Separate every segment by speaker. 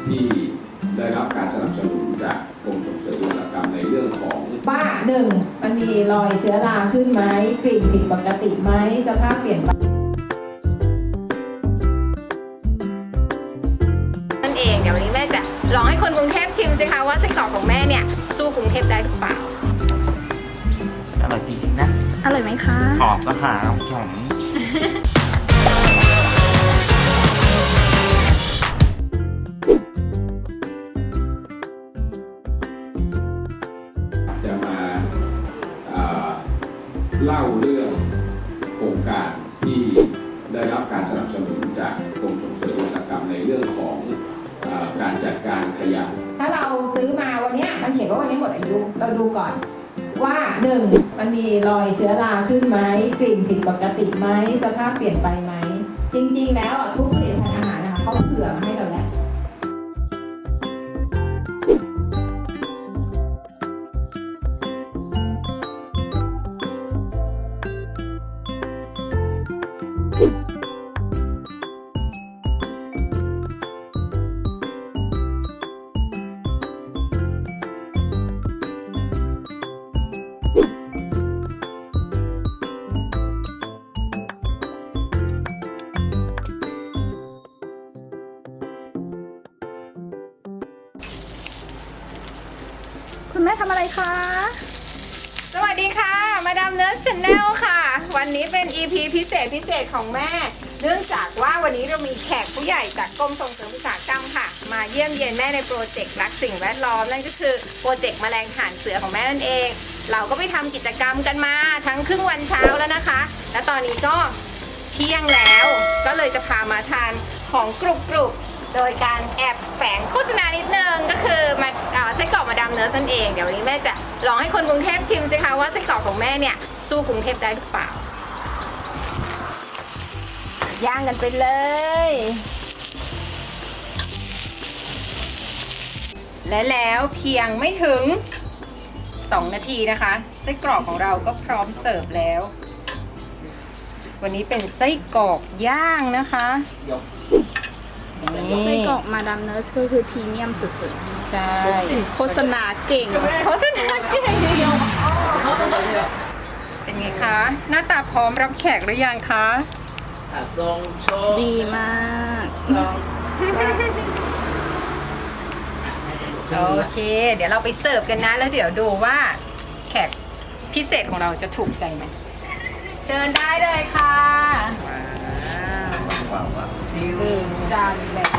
Speaker 1: ที่ได้รับการสนับสนุนจากกรมส่งเสริมอุตสาหกรรมในเรื่องของ
Speaker 2: ว่าหนึ่งมันมีรอยเชื้อราขึ้นไหมกลิ่นผิดปกติไหมสภาพเปลี่ยนไป
Speaker 3: นั่นเองเดี๋ยววันนี้แม่จะลองให้คนกรุงเทพชิมสิคะว่าไส้กรอกของแม่เนี่ยสู้กรุงเทพได้หรือเปล่า
Speaker 4: อร่อยจริงๆนะ
Speaker 5: อร่อยไหมคะ
Speaker 4: หอมก็หาหอม
Speaker 1: จะมาเล่าเรื่องโครงการที่ได้รับการสนับสนุนจากกรมส่งเสริมอุตสาหกรรมในเรื่องของการจัดการขยะ
Speaker 2: ถ้าเราซื้อมาวันนี้มันเขียนว่าวันนี้หมดอายุเราดูก่อนว่าหนึ่งมันมีรอยเชื้อราขึ้นไหมกลิ่นผิดปกติไหมสภาพเปลี่ยนไปไหมจริงๆแล้วทุกผลิตภัณฑ์อาหารนะคะเขาเผื่อมาให้เราแล้ว
Speaker 5: คุณแม่ทำอะไรคะ
Speaker 3: สวัสดีค่ะมาดามเนอร์ชาแนลค่ะ วันนี้เป็น EP พิเศษของแม่เนื่องจากว่าวันนี้เรามีแขกผู้ใหญ่จากกรมส่งเสริมอุตสาหกรรมค่ะมาเยี่ยมเยียนแม่ในโปรเจกต์รักสิ่งแวดล้อมนั่นก็คือโปรเจกต์แมลงฐานเสือของแม่นั่นเองเราก็ไปทำกิจกรรมกันมาทั้งครึ่งวันเช้าแล้วนะคะและตอนนี้ก็เที่ยงแล้วก็เลยจะพามาทานของกรุบโดยการแอบแฝงโฆษณานิดนึงก็คือมาไส้กรอกมาดามเนื้อนั่นเองเดี๋ยววันนี้แม่จะลองให้คนกรุงเทพชิมสิคะว่าไส้กรอกของแม่เนี่ยสู้กรุงเทพได้หรือเปล่าย่างกันไปเลยและแล้วเพียงไม่ถึง2 นาทีนะคะไส้กรอกของเราก็พร้อมเสิร์ฟแล้ววันนี้เป็นไส้กรอกย่างนะคะ
Speaker 5: ไส้กรอกมาดามเนอร์สก็คือพรีเมียมสุด
Speaker 3: ใช่
Speaker 5: ๆโฆษณาเก่ง
Speaker 3: เป็นไงคะ หน้าตาพร้อมรับแขกหรือยังคะ
Speaker 5: ดีมาก
Speaker 3: โอเค เดี๋ยวเราไปเสิร์ฟกันนะแล้วเดี๋ยวดูว่าแขกพิเศษของเราจะถูกใจไหมเชิญได้เลยค่ะจานแบบ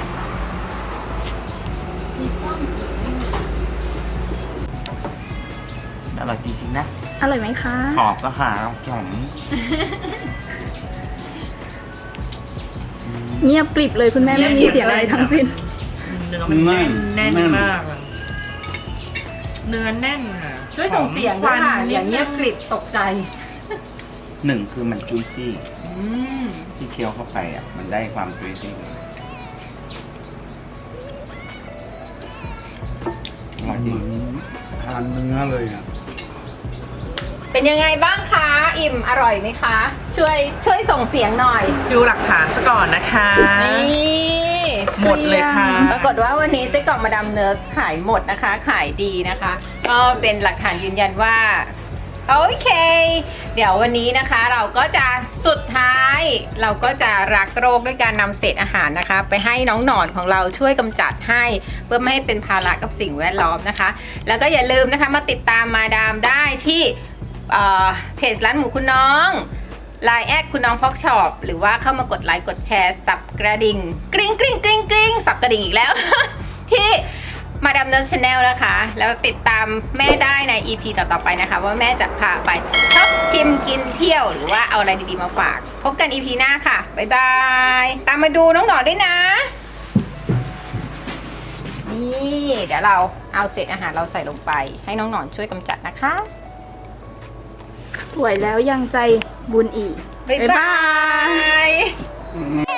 Speaker 4: อร่อยจริงๆนะ
Speaker 5: อร่อยไหมคะ
Speaker 4: หอมก็หาหอม
Speaker 5: เงียบกริบเลยคุณแม่ไม่มีเสียงอะไรทั้งสิ้น
Speaker 6: เนื้อมันแน่นมากเนื้อแน่นค่ะ
Speaker 3: ช่วยส่งเสียงด้วยค่ะอย่างเงียบกริบตกใจ
Speaker 4: 1คือมันจุยซี่ที่เคี้ยวเข้าไปอ่ะมันได้ความจุยซี่อร่อยจริง
Speaker 1: ทานเนื้อเลยอ่ะ
Speaker 3: เป็นยังไงบ้างคะอิ่มอร่อยไหมคะช่วยส่งเสียงหน่อย
Speaker 6: ดูหลักฐานซะก่อนนะคะ
Speaker 3: นี่
Speaker 6: หมดเลยค่ะ
Speaker 3: ปรากฏว่าวันนี้ไส้กรอกมาดามเนอร์สขายหมดนะคะขายดีนะคะก็เป็นหลักฐานยืนยันว่าโอเคเดี๋ยววันนี้นะคะเราก็จะสุดท้ายเราก็จะรักโรคด้วยการนำเศษอาหารนะคะไปให้น้องหนอนของเราช่วยกำจัดให้เพื่อไม่ให้เป็นภาระกับสิ่งแวดล้อมนะคะแล้วก็อย่าลืมนะคะมาติดตามมาดามได้ที่เพจร้านหมูคุณน้อง LINE แอดคุณน้องพอกช็อปหรือว่าเข้ามากดไลค์กดแชร์สับกระดิ่งกริ๊งกริ๊งกริ๊งกริ๊งสับกระดิ่งอีกแล้ว ที่มาดามเนอร์ชาแนลนะคะแล้วติดตามแม่ได้ใน EP ต่อๆไปนะคะว่าแม่จะพาไปช็อปชิมกินเที่ยวหรือว่าเอาอะไรดีๆมาฝากพบกัน EP หน้าค่ะบ๊ายบายตามมาดูน้องหนอนด้วยนะนี่เดี๋ยวเราเอาเศษอาหารเราใส่ลงไปให้น้องหนอนช่วยกำจัดนะคะ
Speaker 5: สวยแล้วยังใจบุญอีก
Speaker 3: บ๊ายบาย